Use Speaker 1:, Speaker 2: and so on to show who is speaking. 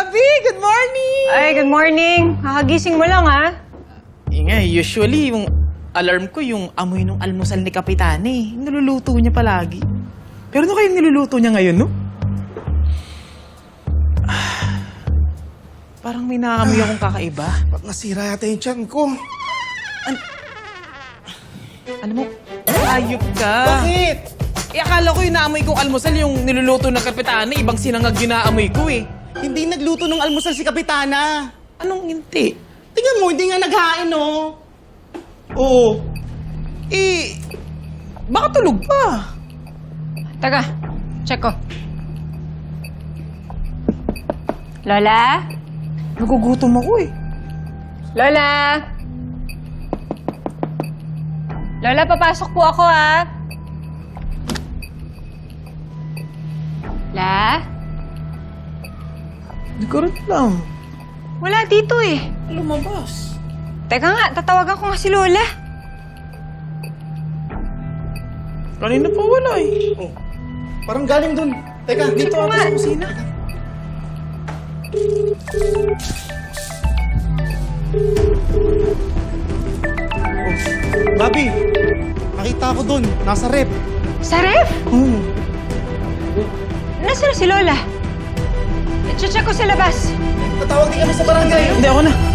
Speaker 1: Gabi! Good morning!
Speaker 2: Ay, good morning. Kakagising mo lang, ha?
Speaker 1: Usually, yung alarm ko, yung amoy ng almusal ni Kapitane. Niluluto niya palagi. Pero ano kayo niluluto niya ngayon, no? Parang may naamoy akong kakaiba.
Speaker 3: Ba't nasira yata yung tiyan ko?
Speaker 1: Alam mo, ayop ka.
Speaker 3: Bakit?
Speaker 1: Akala ko yung naamoy kong almusal yung niluluto ng Kapitane. Ibang sinangag yung naamoy ko, eh.
Speaker 3: Hindi nagluto ng almusal si Kapitana.
Speaker 1: Anong hindi?
Speaker 3: Tingnan mo, hindi nga naghain, oh. Oo.
Speaker 1: Baka tulog pa.
Speaker 2: Taga, check ko. Lola?
Speaker 1: Nagugutom ako, eh.
Speaker 2: Lola? Lola, papasok po ako, ha? La?
Speaker 1: Hindi ko rin alam.
Speaker 2: Wala dito, eh.
Speaker 1: Lumabas.
Speaker 2: Teka nga, tatawagan ko nga si Lola.
Speaker 1: Kanina pa wala, eh.
Speaker 3: Oh. Parang galing dun. Teka, dito
Speaker 2: mo
Speaker 3: ako
Speaker 2: nga.
Speaker 3: sa kusina. Oh. Gabi, nakita ko dun. Nasa rep.
Speaker 2: Sa ref?
Speaker 3: Hmm.
Speaker 2: Nasaan na si Lola? I-check ko sa labas.
Speaker 3: Tatawag din kami sa barangay.
Speaker 1: Hindi, ako na.